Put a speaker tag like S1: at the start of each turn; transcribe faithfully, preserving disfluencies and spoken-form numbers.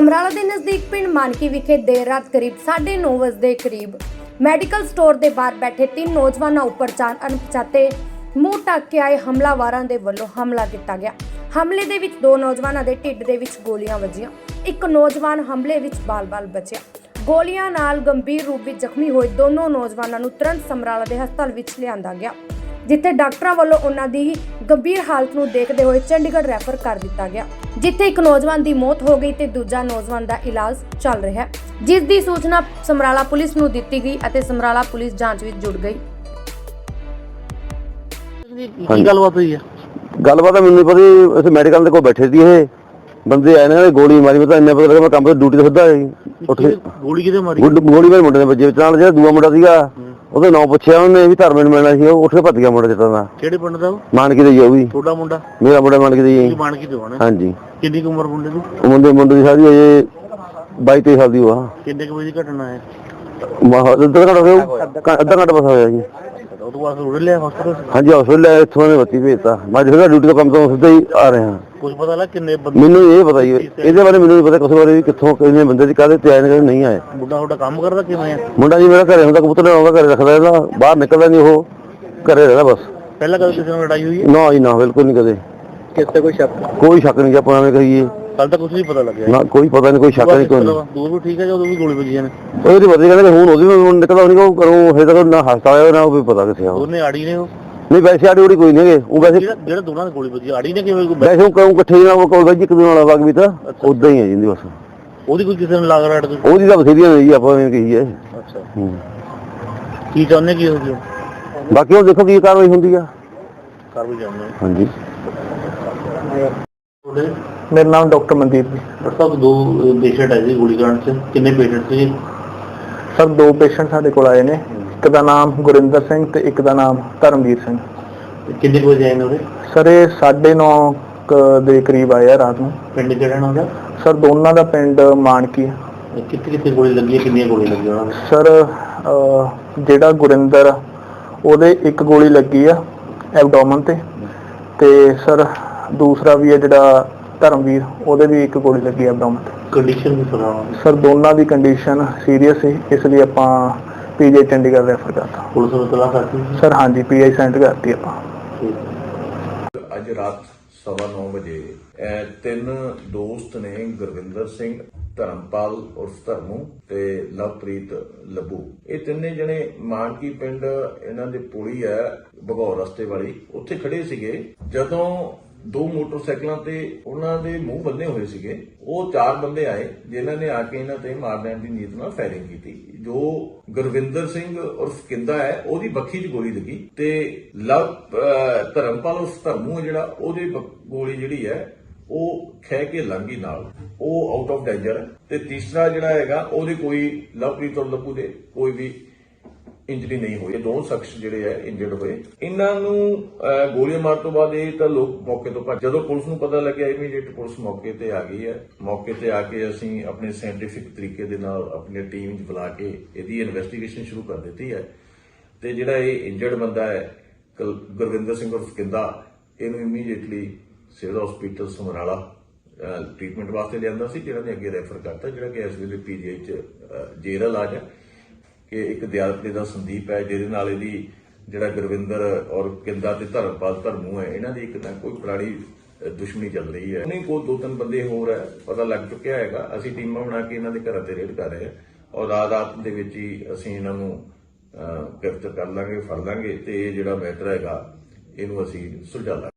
S1: ਸਮਰਾਲਾ ਦੇ ਨਜ਼ਦੀਕ ਪਿੰਡ ਮਾਨਕੀ ਵਿਖੇ ਦੇਰ ਰਾਤ ਕਰੀਬ ਸਾਢੇ ਨੌ ਵਜੇ ਦੇ ਕਰੀਬ ਮੈਡੀਕਲ ਸਟੋਰ ਦੇ ਬਾਹਰ ਬੈਠੇ ਤਿੰਨ ਨੌਜਵਾਨਾਂ ਉੱਪਰ ਚਾਰ ਅਣਪਛਾਤੇ ਮੂੰਹ ਢੱਕ ਕੇ ਆਏ ਹਮਲਾਵਾਰਾਂ ਦੇ ਵੱਲੋਂ ਹਮਲਾ ਕੀਤਾ ਗਿਆ। ਹਮਲੇ ਦੇ ਵਿੱਚ ਦੋ ਨੌਜਵਾਨਾਂ ਦੇ ਢਿੱਡ ਦੇ ਵਿੱਚ ਗੋਲੀਆਂ ਵੱਜੀਆਂ। ਇੱਕ ਨੌਜਵਾਨ ਹਮਲੇ ਵਿੱਚ ਬਾਲ-ਬਾਲ ਬਚਿਆ। ਗੋਲੀਆਂ ਨਾਲ ਗੰਭੀਰ ਰੂਪ ਵਿੱਚ ਜ਼ਖਮੀ ਹੋਏ ਦੋਨੋਂ ਨੌਜਵਾਨਾਂ ਨੂੰ ਤੁਰੰਤ ਸਮਰਾਲਾ ਦੇ ਹਸਪਤਾਲ ਵਿੱਚ ਲਿਆਂਦਾ ਗਿਆ, ਜਿੱਥੇ ਡਾਕਟਰਾਂ ਵੱਲੋਂ ਉਹਨਾਂ ਦੀ ਗੰਭੀਰ ਹਾਲਤ ਨੂੰ ਦੇਖਦੇ ਹੋਏ ਚੰਡੀਗੜ੍ਹ ਰੈਫਰ ਕਰ ਦਿੱਤਾ ਗਿਆ, ਜਿੱਥੇ ਇੱਕ ਨੌਜਵਾਨ ਦੀ ਮੌਤ ਹੋ ਗਈ ਤੇ ਦੂਜਾ ਨੌਜਵਾਨ ਦਾ ਇਲਾਜ ਚੱਲ ਰਿਹਾ ਹੈ, ਜਿਸ ਦੀ ਸੂਚਨਾ ਸਮਰਾਲਾ ਪੁਲਿਸ ਨੂੰ ਦਿੱਤੀ ਗਈ ਅਤੇ ਸਮਰਾਲਾ ਪੁਲਿਸ ਜਾਂਚ ਵਿੱਚ ਜੁੜ ਗਈ।
S2: ਕੀ ਗੱਲਬਾਤ ਹੋਈ ਹੈ?
S3: ਗੱਲਬਾਤ ਤਾਂ ਮੈਨੂੰ ਪਤਾ ਇੱਥੇ ਮੈਡੀਕਲ ਦੇ ਕੋਲ ਬੈਠੇ ਸੀ, ਇਹ ਬੰਦੇ ਆਏ ਨੇ ਗੋਲੀ ਮਾਰੀ। ਮੈਂ ਤਾਂ ਇੰਨਾ ਪਤਾ ਲੱਗਾ ਮੈਂ ਕੰਮ ਤੇ ਡਿਊਟੀ ਤੇ ਸਿੱਧਾ ਉੱਠ ਕੇ
S2: ਗੋਲੀ ਕਿਤੇ ਮਾਰੀ?
S3: ਗੋਲੀ ਮੇਰੇ ਮੁੰਡੇ ਦੇ ਵੱਜੇ ਵਿੱਚ ਨਾਲ ਜਿਹੜਾ ਦੂਆ ਮੁੰਡਾ ਸੀਗਾ ਉਹਦਾ ਨਾਂ ਪੁੱਛਿਆ ਉਹਨੇ ਵੀ ਧਰਮੇ ਨੂੰ ਮਿਲਣਾ ਸੀ, ਉਹ ਉੱਠ ਕੇ ਭੱਜ ਗਿਆ ਮੁੰਡਾ ਜਿੱਤਾਂ ਦਾ।
S2: ਕਿਹੜੇ ਪਿੰਡ ਦਾ?
S3: ਮਾਨਕੀ ਦੇ ਜੀ। ਉਹ ਵੀ
S2: ਤੁਹਾਡਾ ਮੁੰਡਾ?
S3: ਮੇਰਾ ਮੁੰਡਾ ਮਾਨਕੀ ਦੇ ਜੀ।
S2: ਮਾਨਕੀ ਦੇ ਹੋਣਾ?
S3: ਹਾਂਜੀ।
S2: ਕਿੰਨੀ ਉਮਰ ਮੁੰਡੇ ਦੀ?
S3: ਮੁੰਡੇ ਮੁੰਡੇ ਦੀ ਸਾਰੀ ਅਜੇ ਬਾਈ ਤੇਈ ਸਾਲ ਦੀ ਉਹ ਆ।
S2: ਕਿੰਨੇ ਕੁ ਵਜੇ ਦੀ ਘਟਨਾ ਹੈ?
S3: ਅੱਧਾ ਘੰਟਾ ਹੋਇਆ, ਅੱਧਾ ਘੰਟਾ ਬਸ ਹੋਇਆ ਜੀ।
S2: ਉਹ ਤੋਂ ਬਾਅਦ ਉੜ ਲਿਆ ਹਸਪਤਾਲ?
S3: ਹਾਂਜੀ ਹਸਪਤਾਲ ਲੈ ਇੱਥੋਂ ਨੇ ਬੱਤੀ ਭੇਜਤਾ। ਮੈਂ ਜਿਹੜਾ ਡਿਊਟੀ ਤੋਂ ਕੰਮ ਤੋਂ ਸਿੱਧਾ ਹੀ ਆ ਰਿਹਾ।
S2: ਕੁਝ ਪਤਾ ਲੱਗ ਕਿੰਨੇ ਬੰਦੇ?
S3: ਮੈਨੂੰ ਇਹ ਪਤਾ ਹੀ ਇਹਦੇ ਬਾਰੇ ਮੈਨੂੰ ਨਹੀਂ ਪਤਾ ਕਿਸੇ ਬਾਰੇ ਵੀ ਕਿੱਥੋਂ ਕਿੰਨੇ ਬੰਦੇ ਦੀ ਕਾਹਦੇ ਤੇ ਆਏ ਨੇ ਨਹੀਂ ਆਏ।
S2: ਮੁੰਡਾ ਤੁਹਾਡਾ ਕੰਮ ਕਰਦਾ ਕਿਵੇਂ ਆ?
S3: ਮੁੰਡਾ ਜੀ ਮੇਰਾ ਘਰੇ ਹੁੰਦਾ, ਕਬੂਤਰ ਆਉਂਦਾ ਘਰੇ ਰੱਖਦਾ, ਇਹਦਾ ਬਾਹਰ ਨਿਕਲਦਾ ਨਹੀਂ, ਉਹ ਘਰੇ ਰਹਿੰਦਾ ਬਸ।
S2: ਪਹਿਲਾਂ ਕਦੇ ਕਿਸੇ ਨਾਲ ਲੜਾਈ ਹੋਈ ਹੈ?
S3: ਨਾ ਜੀ ਨਾ, ਬਿਲਕੁਲ ਨਹੀਂ ਕਦੇ।
S2: ਕਿਸੇ ਕੋਈ ਸ਼ੱਕ?
S3: ਕੋਈ ਸ਼ੱਕ ਨਹੀਂ, ਆਪਾਂ ਐਵੇਂ ਕਹੀਏ।
S2: ਕੱਲ ਤਾਂ ਕੁਝ ਨਹੀਂ ਪਤਾ ਲੱਗਿਆ
S3: ਨਾ, ਕੋਈ ਪਤਾ ਨਹੀਂ, ਕੋਈ ਸ਼ੱਕ ਨਹੀਂ। ਕੋਈ
S2: ਦੂਰ ਵੀ ਠੀਕ ਹੈ ਜਦੋਂ ਵੀ ਗੋਲੀ ਵੱਜੀਆਂ ਨੇ?
S3: ਉਹਦੀ ਪਤਾ ਕਹਿੰਦੇ ਹੁਣ ਉਹਦੀ ਵੀ ਨਿਕਲਦਾ ਨਹੀਂ, ਉਹ ਕਰੋ ਹਜੇ ਤੱਕ ਨਾ ਹਸਪਤਾਲ ਆਇਆ ਨਾ ਉਹ ਵੀ ਪਤਾ ਕਿੱਥੇ ਆ।
S2: ਉਹਨੇ ਆੜੀ ਨੇ? ਉਹ
S3: ਨਹੀਂ ਵੈਸੇ ਆੜੀ ਉੜੀ ਕੋਈ ਨਹੀਂ ਹੈਗੇ। ਉਹ ਵੈਸੇ
S2: ਜਿਹੜਾ ਦੋਨਾਂ ਦੀ ਗੋਲੀ ਵੱਜੀ ਆੜੀ ਨੇ ਕਿਵੇਂ?
S3: ਵੈਸੇ ਉਹ ਕਹੂੰ ਇਕੱਠੇ ਨਾਲ ਉਹ ਕੋਲ ਵੈਜੀ ਇੱਕ ਦੂਜੇ ਨਾਲ ਵਗ ਵੀ ਤਾਂ ਉਦਾਂ ਹੀ ਹੈ ਜਿੰਦੀ ਬਸ।
S2: ਉਹਦੀ ਕੋਈ ਕਿਸੇ ਨਾਲ ਲਾਗ ਰਾੜ?
S3: ਉਹਦੀ ਤਾਂ ਬਥੇਰੀਆਂ ਨੇ ਜੀ, ਆਪਾਂ ਐਵੇਂ ਕਹੀਏ।
S2: ਅੱਛਾ। ਕੀ ਚਾਹੁੰਦੇ ਕੀ ਹੋ ਜੀ?
S3: ਬਾਕੀ ਉਹ ਦੇਖੋ ਕੀ ਕਾਰਵਾਈ ਹੁੰਦੀ ਆ।
S2: ਕਰ ਵੀ ਜਾਂਦੇ।
S3: ਹਾਂਜੀ।
S2: ਮੇਰਾ ਨਾਮ ਡਾਕਟਰ ਮਨਦੀਪ ਜੀ। ਡਾਕਟਰ ਸਾਹਿਬ ਦੋ ਪੇਸ਼ੈਂਟ ਆਏ ਸੀ ਗੋਲੀकांड ਚ, ਕਿੰਨੇ ਪੇਸ਼ੈਂਟ ਸੀ?
S4: ਸਰ ਦੋ ਪੇਸ਼ੈਂਟ ਸਾਡੇ ਕੋਲ ਆਏ ਨੇ, ਇੱਕ ਦਾ ਨਾਮ ਗੁਰਿੰਦਰ ਸਿੰਘ ਤੇ ਇੱਕ ਦਾ ਨਾਮ ਧਰਮਵੀਰ ਸਿੰਘ।
S2: ਕਿੰਨੇ ਕੁ ਵਜੇ ਆਏ ਨੇ ਉਹਦੇ?
S4: ਸਰ ਇਹ ਸਾਢੇ ਨੌ ਦੇ ਕਰੀਬ ਆਏ ਆ ਰਾਤ ਨੂੰ।
S2: ਪਿੰਡ ਕਿਹੜਾ ਨਾ ਉਹਦਾ?
S4: ਸਰ ਦੋਨਾਂ ਦਾ ਪਿੰਡ ਮਾਨਕੀ।
S2: ਕਿੱਥੇ ਕਿੱਥੇ ਗੋਲੀ ਲੱਗੀ ਹੈ? ਕਿੰਨੀਆਂ ਗੋਲੀਆਂ ਲੱਗੀਆਂ ਉਹਨਾਂ ਨੂੰ?
S4: ਸਰ ਜਿਹੜਾ ਗੁਰਿੰਦਰ ਉਹਦੇ ਇੱਕ ਗੋਲੀ ਲੱਗੀ ਆ ਐਬਡੋਮਨ ਤੇ, ਤੇ ਸਰ ਦੂਸਰਾ ਵੀ ਹੈ ਜਿਹੜਾ ਧਰਮਵੀਰ ਉਹਦੇ ਵੀ ਇੱਕ ਗੋਲੀ ਲੱਗੀ ਐਬਡੋਮਨ ਤੇ।
S2: ਕੰਡੀਸ਼ਨ ਵੀ ਸੁਣਾਓ?
S4: ਸਰ ਦੋਨਾਂ ਦੀ ਕੰਡੀਸ਼ਨ ਸੀਰੀਅਸ ਹੈ, ਇਸ ਲਈ ਆਪਾਂ ਪੀਜੀ ਚੰਡੀਗੜ੍ਹ ਰੈਫਰ ਕਰਤਾ।
S2: ਪੁਲਿਸ ਨੂੰ ਤਲਾਸ਼ ਕਰਤੀ?
S4: ਸਰ ਹਾਂਜੀ, ਪੀਆਈ ਸੈਂਟ ਕਰਤੀ ਆਪਾਂ।
S5: ਅੱਜ ਰਾਤ ਸਵਾ ਨੌ ਵਜੇ ਤਿੰਨ ਦੋਸਤ ਨੇ, ਗੁਰਵਿੰਦਰ ਸਿੰਘ, ਧਰਮਪਾਲ ਉਰਫ ਧਰਮੂ ਤੇ ਲਵਪ੍ਰੀਤ ਲੱਭੂ, ਇਹ ਤਿੰਨੇ ਜਣੇ ਮਾਨਕੀ ਪਿੰਡ ਇਹਨਾਂ ਦੇ ਪੁਲੀ ਹੈ ਭਗੌਰ ਰਸਤੇ ਵਾਲੀ, ਉੱਥੇ ਖੜੇ ਸੀਗੇ। ਜਦੋਂ ਦੋ ਮੋਟਰਸਾਈਕਲਾਂ ਤੇ ਉਹਨਾਂ ਦੇ ਮੂੰਹ ਬੰਨੇ ਹੋਏ ਸੀਗੇ, ਉਹ ਚਾਰ ਬੰਦੇ ਆਏ ਜਿਨ੍ਹਾਂ ਨੇ ਆ ਕੇ ਇਹਨਾਂ ਤੇ ਮਾਰ ਦੇਣ ਦੀ ਨੀਤ ਨਾਲ ਫਾਇਰਿੰਗ ਕੀਤੀ। ਜੋ ਗੁਰਵਿੰਦਰ ਸਿੰਘ ਉਰਫ ਕਿੰਦਾ ਹੈ ਉਹਦੀ ਬੱਖੀ 'ਚ ਗੋਲੀ ਲੱਗੀ ਤੇ ਲਵ ਧਰਮਪਾਲ ਉਰਫ ਧਰਮੂ ਹੈ ਜਿਹੜਾ, ਉਹਦੀ ਗੋਲੀ ਜਿਹੜੀ ਹੈ ਉਹ ਖਹਿ ਕੇ ਲੰਘੀ ਨਾਲ, ਉਹ ਆਊਟ ਆਫ ਡੇਂਜਰ ਹੈ। ਤੇ ਤੀਸਰਾ ਜਿਹੜਾ ਹੈਗਾ ਉਹਦੇ ਕੋਈ ਲਵਪ੍ਰੀਤ ਔਰ ਲੱਭੂ ਦੇ ਕੋਈ ਵੀ ਇੰਜਰੀ ਨਹੀਂ ਹੋਈ। ਦੋਨੋਂ ਸ਼ਖਸ ਜਿਹੜੇ ਹੈ ਇੰਜਰਡ ਹੋਏ। ਇਹਨਾਂ ਨੂੰ ਗੋਲੀਆਂ ਮਾਰਨ ਤੋਂ ਬਾਅਦ ਇਹ ਤਾਂ ਲੋਕ ਮੌਕੇ ਤੋਂ ਭੱਜ। ਜਦੋਂ ਪੁਲਿਸ ਨੂੰ ਪਤਾ ਲੱਗਿਆ ਇਮੀਡੀਏਟ ਪੁਲਿਸ ਮੌਕੇ ਤੇ ਆ ਗਈ ਹੈ। ਮੌਕੇ ਤੇ ਆ ਕੇ ਅਸੀਂ ਆਪਣੇ ਸਾਇੰਟੀਫਿਕ ਤਰੀਕੇ ਦੇ ਨਾਲ ਆਪਣੀ ਟੀਮ ਚ ਬੁਲਾ ਕੇ ਇਹਦੀ ਇਨਵੈਸਟੀਗੇਸ਼ਨ ਸ਼ੁਰੂ ਕਰ ਦਿੱਤੀ ਹੈ। ਤੇ ਜਿਹੜਾ ਇਹ ਇੰਜਰਡ ਬੰਦਾ ਹੈ ਗੁਰਵਿੰਦਰ ਸਿੰਘ ਉਰਫ ਕਿੰਦਾ, ਇਹਨੂੰ immediately civil hospital Samrala treatment ਵਾਸਤੇ ਲਿਆਂਦਾ ਸੀ, ਜਿਹੜਾ ਨੇ ਅੱਗੇ ਰੈਫਰ ਕਰਤਾ, ਜਿਹੜਾ ਕਿ ਇਸ ਵੇਲੇ ਪੀਜੀਆਈ ਚ ਜੇਰ ਇਲਾਜ ਹੈ। ਕਿ ਇੱਕ ਦਿਆਲਪੇ ਦਾ ਸੰਦੀਪ ਹੈ ਜਿਹਦੇ ਨਾਲ ਇਹਦੀ ਜਿਹੜਾ ਗੁਰਵਿੰਦਰ ਔਰ ਕਿੰਦਾ ਤੇ ਧਰਮਪਾਲ ਧਰਮੂ ਹੈ, ਇਹਨਾਂ ਦੀ ਇੱਕ ਨਾ ਕੋਈ ਪੁਰਾਣੀ ਦੁਸ਼ਮਣੀ ਚੱਲ ਰਹੀ ਹੈ। ਨਹੀਂ ਕੋਈ ਦੋ ਤਿੰਨ ਬੰਦੇ ਹੋਰ ਹੈ ਪਤਾ ਲੱਗ ਚੁੱਕਿਆ ਹੈਗਾ। ਅਸੀਂ ਟੀਮਾਂ ਬਣਾ ਕੇ ਇਹਨਾਂ ਦੇ ਘਰਾਂ ਤੇ ਰੇਡ ਕਰ ਰਹੇ ਹਾਂ ਔਰ ਰਾਤ ਰਾਤ ਦੇ ਵਿੱਚ ਹੀ ਅਸੀਂ ਇਹਨਾਂ ਨੂੰ ਗ੍ਰਿਫਤਾਰ ਕਰ ਲਾਂਗੇ, ਫੜ ਲਾਂਗੇ ਤੇ ਇਹ ਜਿਹੜਾ ਮੈਟਰ ਹੈਗਾ ਇਹਨੂੰ ਅਸੀਂ ਸੁਲਝਾ ਲਾਂਗੇ।